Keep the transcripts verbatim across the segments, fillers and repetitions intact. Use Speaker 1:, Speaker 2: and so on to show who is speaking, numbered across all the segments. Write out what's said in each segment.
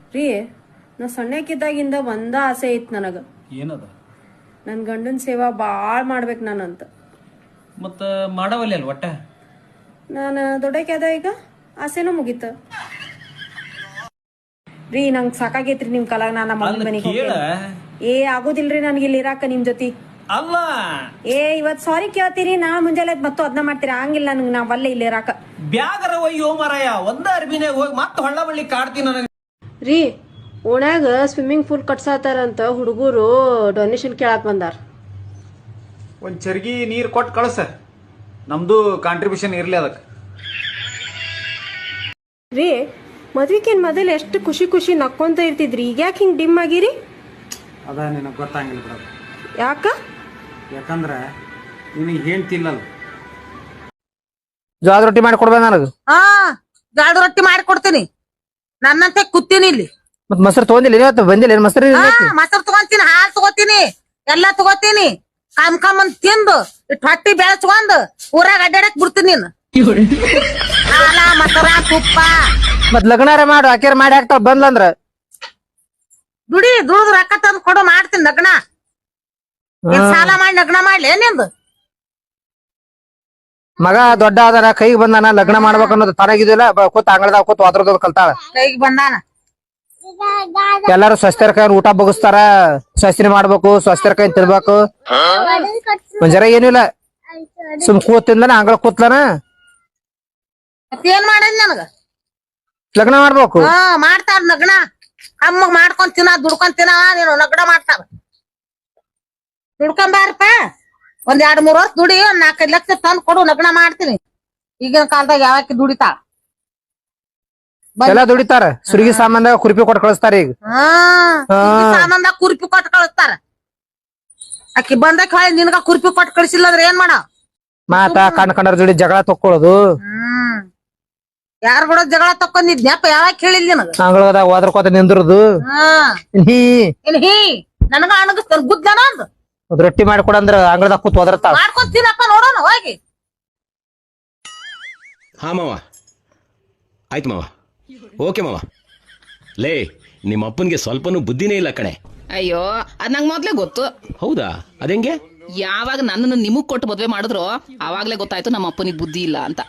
Speaker 1: ರೀ ನಾ ಸಣ್ಣಕ್ಕಿದ್ದಾಗಿಂದ ಒಂದ ಆಸೆ ಐತ್ ನನಗ.
Speaker 2: ಏನದ?
Speaker 1: ನನ್ ಗಂಡನ್ ಸೇವಾ ಬಾಳ್ ಮಾಡ್ಬೇಕು ನಾನಂತ.
Speaker 2: ಮತ್ತ ಮಾಡವಲ್ಲಿ ಅಲ್ ಒಟ್ಟ
Speaker 1: ನಾನು ದೊಡ್ಡಕ್ಯಾದ ಈಗ ಆಸೆನೂ ಮುಗೀತ ರೀ. ನಂಗ್ ಸಾಕಾಗೈತ್ರಿ ನಿಮ್ ಕಲಾಗ. ನಾ ನಮ್ಮ ಮಮ್ಮಿ ಮನೆಗೆ ಏ ಆಗೋದಿಲ್ರಿ ನನ್ಗೆ ಇಲ್ಲಿ ಇರಾಕ ನಿಮ್ ಜೊತೆ.
Speaker 2: ಅಲ್ಲ
Speaker 1: ಏ ಇವತ್ ಸಾರಿ ಕೇಳ್ತೀರಿ, ನಾ ಮುಂಜಾನೆ ಮತ್ತು ಅದನ್ನ ಮಾಡ್ತೀರಿ. ಹಂಗಿಲ್ಲ ನಂಗೆ ನಾ ಒಲ್ಲೆ ಇಲ್ಲಿ ಇರಾಕ.
Speaker 2: ಬ್ಯಾಗರ ಒಯ್ಯೋ ಮಾರಾಯ, ಒಂದ ಅರ್ಬಿನಾಗ ಹೋಗಿ ಮತ್ತೆ ಹೊಳ್ಳ ಬಳ್ಳಿ ಕಾಡ್ತೀನಿ ನನಗೆ.
Speaker 1: ರೀ ಓಣ್ಯಾಗ ಸ್ವಿಮ್ಮಿಂಗ್ ಪೂಲ್ ಕಟ್ಸಾತಾರಂತ ಹುಡುಗರು ಡೊನೇಷನ್ ಕೇಳಾಕ್ ಬಂದಾರ.
Speaker 3: ಒಂದ್ ಚರ್ಗಿ ನೀರ್ ಕೊಟ್ಟು ಕಳ್ಸ, ನಮ್ದು ಕಾಂಟ್ರಿಬ್ಯೂಷನ್ ಇರ್ಲಿ ಅದಕ್ಕೆ.
Speaker 1: ರೀ ಮದ್ವಿಕೇನ್ ಮೊದಲು ಎಷ್ಟು ಖುಷಿ ಖುಷಿ ನಕ್ಕೊಂತ ಇರ್ತಿದ್ರಿ, ಈಗ ಯಾಕೆ ಹಿಂಗ್ ಡಿಮ್ ಆಗಿರಿ?
Speaker 3: ಅದ ನಿನಗೆ ಗೊತ್ತಾಗಿಲ್ಲ ಬಿಡೋದು.
Speaker 1: ಯಾಕ?
Speaker 3: ಯಾಕಂದ್ರೆ ನಿನಗೆ ಹೇಳ್ತಿಲ್ಲಲ್ಲ.
Speaker 4: ಜೋಳದ ರೊಟ್ಟಿ ಮಾಡಿ ಕೊಡ್ಬೇಕ ನನಗ.
Speaker 5: ಹಾ ಜೋಳದ ರೊಟ್ಟಿ ಮಾಡಿ ಕೊಡ್ತೀನಿ. ನನ್ನಂತೆ ಕೂತೀನಿ ಇಲ್ಲಿ.
Speaker 4: ಮತ್ ಮೊಸರು ತಗೊಂಡಿಲ್ಲ ಇವತ್ತು? ಬಂದಿಲ್ಲ ಏನ್ ಮೊಸರು?
Speaker 5: ಮೊಸರು ತಗೊಂತೀನಿ, ಹಾಲು ತಗೋತೀನಿ, ಎಲ್ಲಾ ತಗೋತೀನಿ. ಕಾಮ್ ಕಾಮ್ ಅಂತ ತಿಂದು ಇಟ್ ಹೊಟ್ಟಿ ಬೆಳಸ್ಕೊಂಡ್ ಊರಾಗ ಅಡ್ಡಾಡಕ್ ಬಿಡ್ತೀನಿ ನೀನು. ಹಾಲ ಮೊಸರ ತುಪ್ಪ
Speaker 4: ಮತ್ ಲಗ್ನಾರ ಮಾಡು, ಆಕೆರ್ ಮಾಡಿ ಹಾಕ್ತಾವ ಬಂದ್ಲಂದ್ರ.
Speaker 5: ದುಡಿ ದುಡ್ದು ರೊಕ್ಕ ತಂದು ಕೊಡು, ಮಾಡ್ತೀನಿ ಲಗ್ನ. ಸಾಲ ಮಾಡಿ ಲಗ್ನ ಮಾಡ್ಲಿ ನಿಂದು
Speaker 4: ಮಗ ದೊಡ್ಡ ಅದಾನ, ಕೈಗೆ ಬಂದಾನ, ಲಗ್ನ ಮಾಡ್ಬೇಕು ಅನ್ನೋದು ತನಗಿದಿಲ್ಲ. ಕೂತ್ ಅಂಗಳದಾಗ ಕೂತ್ ವಾದ್ರದೋದ್ ಕಲ್ತಾಳ.
Speaker 5: ಕೈಗೆ ಬಂದಾನ.
Speaker 4: ಎಲ್ಲಾರು ಸ್ವಸ್ಥರ ಕೈ ಊಟ ಬಗಸ್ತಾರ, ಸ್ವಸ್ತಿನಿ ಮಾಡ್ಬೇಕು, ಸ್ವಸ್ಥರ ಕೈ ತಿನ್ಬೇಕು. ಒಂದ್ ಜರ ಏನಿಲ್ಲ, ಸುಮ್ ಕೂತಿಂದನ ಅಂಗಳ ಕೂತ್ಲನ.
Speaker 5: ಏನ್ ಮಾಡೇನ್ ನನಗ?
Speaker 4: ಲಗ್ನ ಮಾಡ್ಬೇಕು.
Speaker 5: ಹಾ ಮಾಡ್ತಾರ ಲಗ್ನ. ಅಮ್ಮಗ್ ಮಾಡ್ಕೊಂಡ್ ತಿನ್ನ, ದುಡ್ಕೊಂಡ್ ತಿನ್ನ, ನೀನು ಲಗ್ನ ಮಾಡ್ತಾರ. ದುಡ್ಕೊಂಬಾರಪ್ಪ, ಒಂದ್ ಎರಡ್ ಮೂರ್ ವರ್ಷ ದುಡಿ, ಒಂದ್ ನಾಲ್ಕೈದು ಲಕ್ಷ ತಂದ್ ಕೊಡು, ಲಗ್ನ ಮಾಡ್ತೀನಿ. ಈಗಿನ ಕಾಲದಾಗ ಯಾವಕ್ಕೆ ದುಡಿತಾಳ?
Speaker 4: ಎಲ್ಲಾ ದುಡಿತಾರ. ಸುರ್ಗಿ ಸಾಮಾನ್ದಾಗ ಕುರ್ಪಿ ಕೊಟ್ಟು ಕಳಿಸ್ತಾರ ಈಗ.
Speaker 5: ಹಾ ಸಾಮಾನ್ದಾಗ ಕುರ್ಪಿ ಕೊಟ್ಟು ಕಳಿಸ್ತಾರ. ಆಕಿ ಬಂದಕ್ ಹೊಳಿ ನಿನ್ಗ ಕುರ್ಪಿ ಕೊಟ್ಟು ಕಳಿಸಿಲ್ಲ ಅಂದ್ರೆ ಏನ್ ಮಾಡ?
Speaker 4: ಮಾತಾ ಕಣ್ ಕಂಡರ ಜೋಡಿ ಜಗಳ ತಕ್ಕೊಳ್ಳೋದು.
Speaker 5: ಹ್ಮ್ ಯಾರ್ ಕೂಡ ಜಗಳ ತಕ್ಕೊಂಡಿದ್ನ್ಯಪ್ಪ? ಯಾವಾಗ ಹೇಳಿಲ್ಲ ನಿನಗ?
Speaker 4: ಅಂಗಳದಾಗ ಹೋದ್ರಕೋತ ನಿಂದ್ರದು.
Speaker 5: ಹಾ
Speaker 4: ಹೀ
Speaker 5: ಏನ್ ಹೀ ನನಗ ಅಣಗಸ್ತಾನ ಗುದ್ದನ ಅಂದ್
Speaker 4: ರೊಟ್ಟಿ ಮಾಡಿಕೊಡಂದ್ರ ಅಂಗಳದಾಗ ಕೂತ್ ಹೋದ್ರತಾಳ.
Speaker 5: ಮಾಡ್ಕೊಂಡ್ ತಿನ್ನಪ್ಪ, ನೋಡೋಣ ಹೋಗಿ.
Speaker 6: ಹಾ ಮಾವ, ಆಯ್ತು ಮಾವ, ಓಕೆ ಮಾವ. ಲೇ, ನಿಮ್ಮ ಅಪ್ಪನ್ಗೆ ಸ್ವಲ್ಪನೂ ಬುದ್ಧಿನೇ ಇಲ್ಲ ಕಣೆ.
Speaker 7: ಅಯ್ಯೋ ಅದ್ ನಂಗ್ ಮೊದ್ಲೇ ಗೊತ್ತು.
Speaker 6: ಹೌದಾ? ಅದೆಂಗೆ?
Speaker 7: ಯಾವಾಗ ನನ್ನನ್ನು ನಿಮಗ್ ಕೊಟ್ಟು ಮದ್ವೆ ಮಾಡಿದ್ರು ಅವಾಗ್ಲೇ ಗೊತ್ತಾಯ್ತು ನಮ್ಮ ಅಪ್ಪನಿಗೆ ಬುದ್ಧಿ ಇಲ್ಲ ಅಂತ.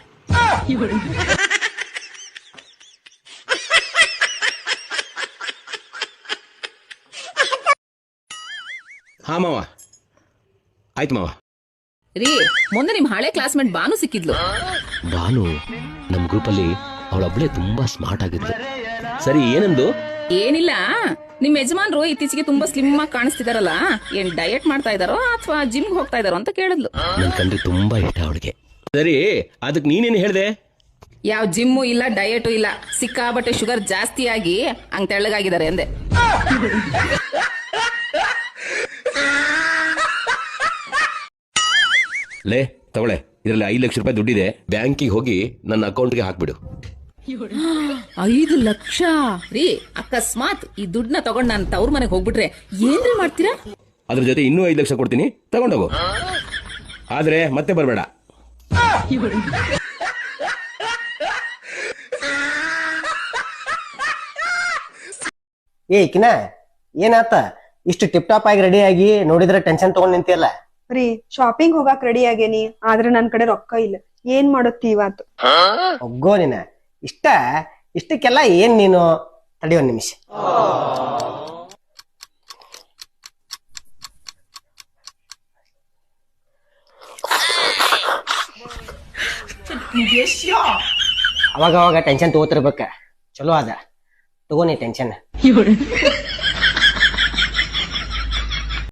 Speaker 6: ಹಾ ಮಾವ, ಆಯ್ತು ಮಾವ.
Speaker 7: ರೀ ಮೊನ್ನೆ ನಿಮ್ ಹಳೆ ಕ್ಲಾಸ್ಮೇಟ್ ಬಾನು ಸಿಕ್ಕಿದ್ಲು.
Speaker 6: ಬಾನು ನಮ್ ಗ್ರೂಪಲ್ಲಿ ಅವಳೊಬ್ಳೆ ತುಂಬಾ ಸ್ಮಾರ್ಟ್ ಆಗಿದ್ಲು. ಸರಿ, ಏನಂದು?
Speaker 7: ಏನಿಲ್ಲ, ನಿಮ್ ಯಜಮಾನ್ರು ಇತ್ತೀಚೆಗೆ ತುಂಬಾ ಸ್ಲಿಮ್ ಆಗಿ ಕಾಣಿಸ್ತಿದಾರಲ್ಲ, ಏನ್ ಡಯಟ್ ಮಾಡ್ತಾ ಇದಾರೋ ಅಥವಾ ಜಿಮ್ಗೆ ಹೋಗ್ತಾ ಇದಾರೋ ಅಂತ ಕೇಳಿದ್ಲು.
Speaker 6: ನನ್ ಕಂಡ್ರೆ ತುಂಬಾ ಇಷ್ಟ ಅವಳಿಗೆ. ಸರಿ, ಅದಕ್ ನೀನೇನು ಹೇಳ್ದೆ?
Speaker 7: ಯಾವ ಜಿಮ್ಮು ಇಲ್ಲ, ಡಯಟು ಇಲ್ಲ, ಸಿಕ್ಕಾಬಟ್ಟೆ ಶುಗರ್ ಜಾಸ್ತಿ ಆಗಿ ಹಂಗ್ ತೆಳ್ಳಗಾಗಿದ್ದಾರೆ ಅಂದೆ.
Speaker 6: ಲೇ ತಗೊಳೆ, ಇದರಲ್ಲಿ ಐದು ಲಕ್ಷ ರೂಪಾಯಿ ದುಡ್ಡಿದೆ, ಬ್ಯಾಂಕಿಗೆ ಹೋಗಿ ನನ್ನ ಅಕೌಂಟ್ಗೆ ಹಾಕ್ಬಿಡು.
Speaker 7: ಐದು ಲಕ್ಷ? ರೀ ಅಕಸ್ಮಾತ್ ಈ ದುಡ್ಡನ್ನ ತಗೊಂಡ್ ನಾನು ತವ್ರ ಮನೆಗೆ ಹೋಗ್ಬಿಟ್ರೆ ಏನ್ರಿ ಮಾಡ್ತೀರಾ?
Speaker 6: ಅದ್ರ ಜೊತೆ ಇನ್ನೂ ಐದು ಲಕ್ಷ ಕೊಡ್ತೀನಿ, ತಗೊಂಡೋಗು. ಆದ್ರೆ ಮತ್ತೆ ಬರ್ಬೇಡ.
Speaker 8: ಏ ಕಿನ, ಏನಾತ ಇಷ್ಟು ಟಿಪ್ ಟಾಪ್ ಆಗಿ ರೆಡಿ ಆಗಿ ನೋಡಿದ್ರೆ ಟೆನ್ಷನ್ ತಗೊಂಡ್ ನಿಂತಿಯಲ್ಲ?
Speaker 9: ರೀ ಶಾಪಿಂಗ್ ಹೋಗಾಕ್ ರೆಡಿ ಆಗೇನಿ, ಆದ್ರೆ ನನ್ ಕಡೆ ರೊಕ್ಕ ಇಲ್ಲ. ಏನ್ ಮಾಡುತ್ತಿ ಇವತ್ತು?
Speaker 8: ಒಗ್ಗೋ ನೀನ, ಇಷ್ಟ ಇಷ್ಟಕ್ಕೆಲ್ಲ ಏನ್ ನೀನು? ತಡಿ ಒಂದ್ ನಿಮಿಷ. ಅವಾಗ ಅವಾಗ ಟೆನ್ಷನ್ ತಗೋತಿರ್ಬೇಕ, ಚಲೋ ಅದ. ತಗೋನಿ ಟೆನ್ಷನ್.